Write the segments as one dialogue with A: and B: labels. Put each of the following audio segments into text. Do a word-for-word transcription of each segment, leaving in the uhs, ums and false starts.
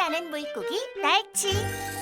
A: 사랑하는 물고기 날치.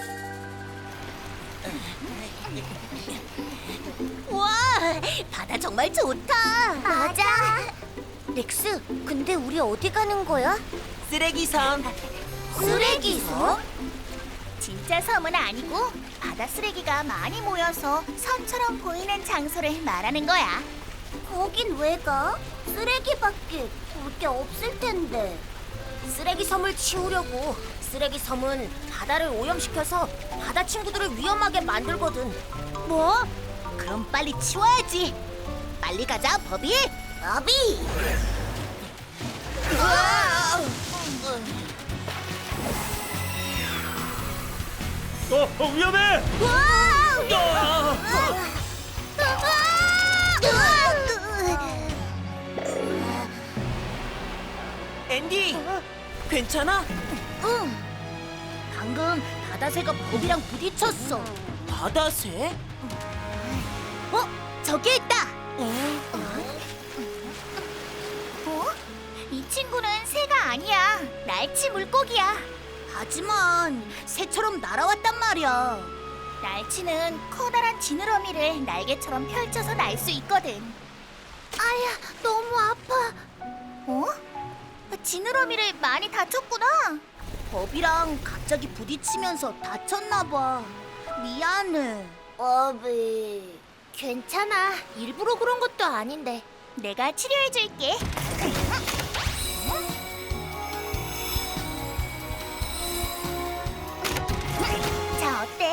B: 와, 바다 정말 좋다.
A: 맞아.
B: 렉스, 근데 우리 어디 가는 거야?
C: 쓰레기섬.
B: 쓰레기섬?
A: 진짜 섬은 아니고 바다 쓰레기가 많이 모여서 섬처럼 보이는 장소를 말하는 거야.
B: 거긴 왜 가? 쓰레기밖에 볼 게 없을 텐데. 쓰레기 섬을 치우려고. 쓰레기 섬은 바다를 오염시켜서 바다 친구들을 위험하게 만들거든.
A: 뭐? 그럼 빨리 치워야지. 빨리 가자, 버비.
B: 아비!
D: 어, 어 위험해! 어!
C: 앤디, 괜찮아?
B: 응. 방금 바다새가 버비랑 부딪혔어.
C: 바다새?
A: 어? 저기 있다. 어? 이 친구는 새가 아니야. 날치 물고기야.
B: 하지만 새처럼 날아왔단 말이야.
A: 날치는 커다란 지느러미를 날개처럼 펼쳐서 날 수 있거든. 아야, 너무 아파. 어? 지느러미를 많이 다쳤구나.
B: 버비랑 갑자기 부딪히면서 다쳤나 봐. 미안해. 버비.
A: 괜찮아. 일부러 그런 것도 아닌데. 내가 치료해줄게. 자, 어때?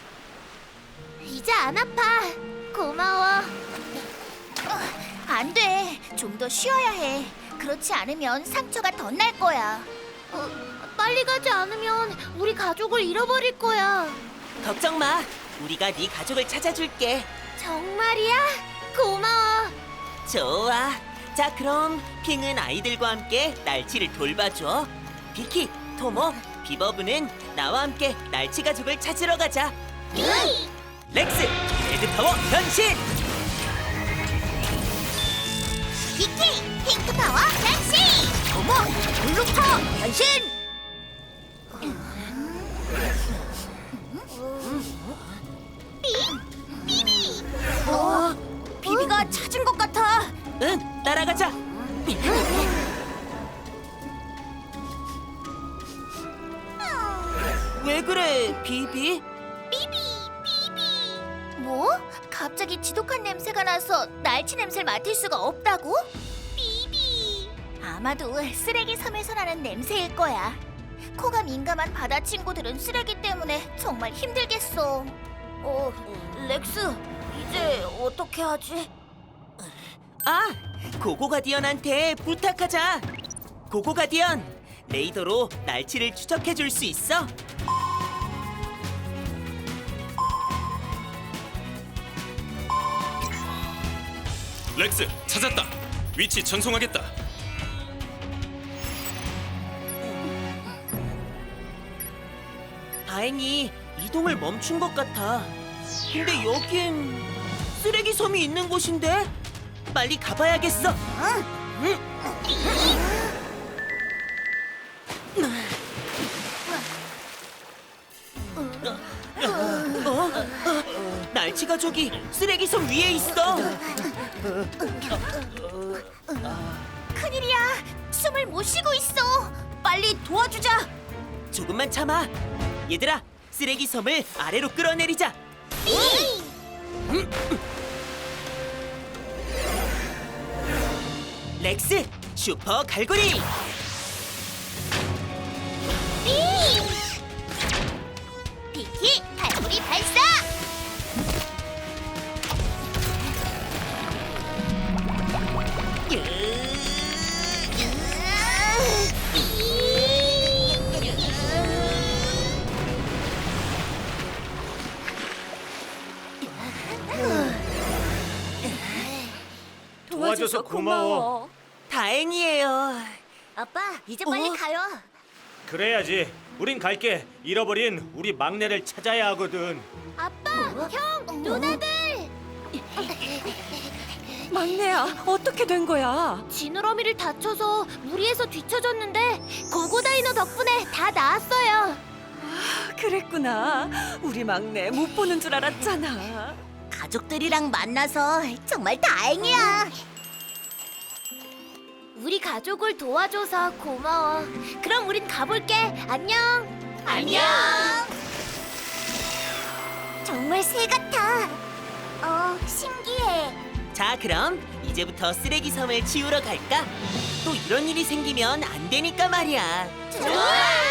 A: 이제 안 아파. 고마워. 안 돼. 좀 더 쉬어야 해. 그렇지 않으면 상처가 더 날 거야. 어, 빨리 가지 않으면 우리 가족을 잃어버릴 거야.
C: 걱정 마. 우리가 네 가족을 찾아줄게.
A: 정말이야? 고마워.
C: 좋아. 자, 그럼 핑은 아이들과 함께 날치를 돌봐줘. 비키, 토모, 비버브는 나와 함께 날치 가족을 찾으러 가자. 렉스, 레드파워 변신!
A: 비키, 핑크파워 변신!
B: 어머, 블루파 변신!
A: 비비!
B: 어, 비비가 찾은 것 같아.
C: 응, 따라가자. 왜 그래, 비비?
A: 비비! 비비! 뭐? 갑자기 지독한 냄새가 나서 날치 냄새를 맡을 수가 없다고? 비비! 아마도 쓰레기 섬에서 나는 냄새일 거야. 코가 민감한 바다 친구들은 쓰레기 때문에 정말 힘들겠어.
B: 어, 렉스, 이제 어떻게 하지?
C: 아, 고고가디언한테 부탁하자. 고고가디언, 레이더로 날치를 추적해 줄 수 있어?
D: 렉스, 찾았다. 위치 전송하겠다.
C: 다행히 이동을 멈춘 것 같아. 근데 여긴 쓰레기 섬이 있는 곳인데? 빨리 가봐야겠어. 응. 어? 어? 날치 가족이 쓰레기 섬 위에 있어.
A: 큰일이야. 숨을 못 쉬고 있어.
B: 빨리 도와주자.
C: 조금만 참아. 얘들아, 쓰레기 섬을 아래로 끌어내리자. 렉스, 슈퍼 갈고리.
A: 비키, 갈고리 발사!
D: 도와줘서 고마워.
C: 다행이에요.
B: 아빠, 이제 빨리
C: 어?
B: 가요.
D: 그래야지. 우린 갈게. 잃어버린 우리 막내를 찾아야 하거든.
A: 아빠, 형, 누나들!
E: 막내야, 어떻게 된 거야?
A: 지느러미를 다쳐서 무리해서 뒤처졌는데 고고다이너 덕분에 다 나았어요.
E: 그랬구나. 우리 막내 못 보는 줄 알았잖아.
B: 가족들이랑 만나서 정말 다행이야.
A: 우리 가족을 도와줘서 고마워. 그럼 우린 가볼게. 안녕.
B: 안녕. 정말 새 같아. 어, 신기해.
C: 자, 그럼 이제부터 쓰레기 섬을 치우러 갈까? 또 이런 일이 생기면 안 되니까 말이야.
B: 좋아.